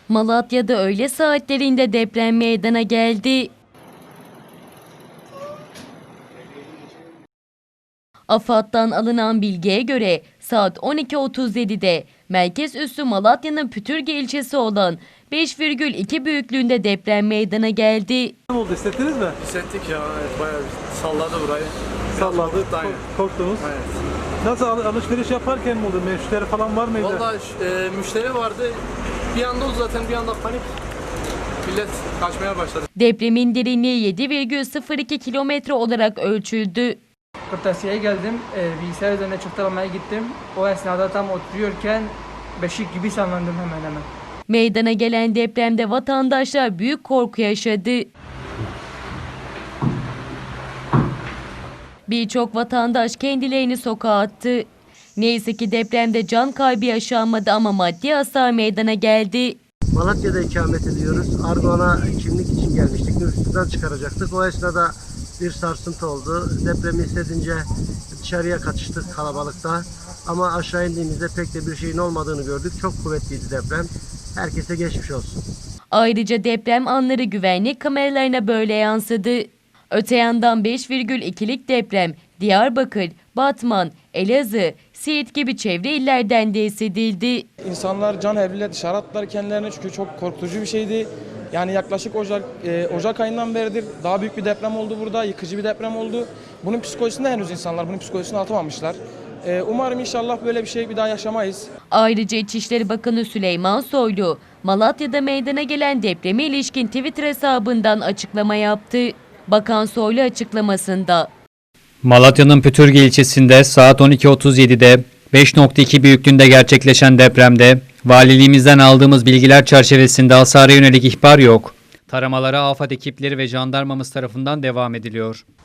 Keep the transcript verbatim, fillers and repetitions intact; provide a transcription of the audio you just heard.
Malatya'da öğle saatlerinde deprem meydana geldi. AFAD'dan alınan bilgiye göre saat on iki otuz yedi'de merkez üssü Malatya'nın Pütürge ilçesi olan beş virgül iki büyüklüğünde deprem meydana geldi. Ne oldu, hissettiniz mi? Hissettik ya, evet, bayağı bir salladı burayı. Salladı, Korktu, aynen. korktunuz. Evet. Nasıl al- alışveriş yaparken mi oldu? Müşteri falan var mıydı? Vallahi e, müşteri vardı. Bir anda oldu zaten, bir anda panik. Millet kaçmaya başladı. Depremin derinliği yedi virgül sıfır iki kilometre olarak ölçüldü. Kırtasiye'ye geldim, e, bilgisayar üzerine çıktı almaya gittim. O esnada tam oturuyorken beşik gibi sallandım hemen hemen. Meydana gelen depremde vatandaşlar büyük korku yaşadı. Birçok vatandaş kendilerini sokağa attı. Neyse ki depremde can kaybı yaşanmadı ama maddi hasar meydana geldi. Malatya'da ikamet ediyoruz. Ardoğan'a kimlik için gelmiştik. Nüfustan çıkaracaktık. O esnada bir sarsıntı oldu. Depremi hissedince dışarıya kaçıştık kalabalıkta. Ama aşağı indiğimizde pek de bir şeyin olmadığını gördük. Çok kuvvetliydi deprem. Herkese geçmiş olsun. Ayrıca deprem anları güvenlik kameralarına böyle yansıdı. Öte yandan beş virgül iki'lik deprem Diyarbakır, Batman, Elazığ, Siirt gibi çevre illerden de hissedildi. İnsanlar can havliyle dışarı attılar kendilerini çünkü çok korkutucu bir şeydi. Yani yaklaşık Ocak, e, Ocak ayından beridir daha büyük bir deprem oldu burada, yıkıcı bir deprem oldu. Bunun psikolojisinde henüz insanlar bunun psikolojisini atamamışlar. E, umarım inşallah böyle bir şey bir daha yaşamayız. Ayrıca İçişleri Bakanı Süleyman Soylu, Malatya'da meydana gelen depreme ilişkin Twitter hesabından açıklama yaptı. Bakan Soylu açıklamasında Malatya'nın Pütürge ilçesinde saat on iki otuz yedi'de beş nokta iki büyüklüğünde gerçekleşen depremde valiliğimizden aldığımız bilgiler çerçevesinde hasara yönelik ihbar yok. Taramalara AFAD ekipleri ve jandarmamız tarafından devam ediliyor.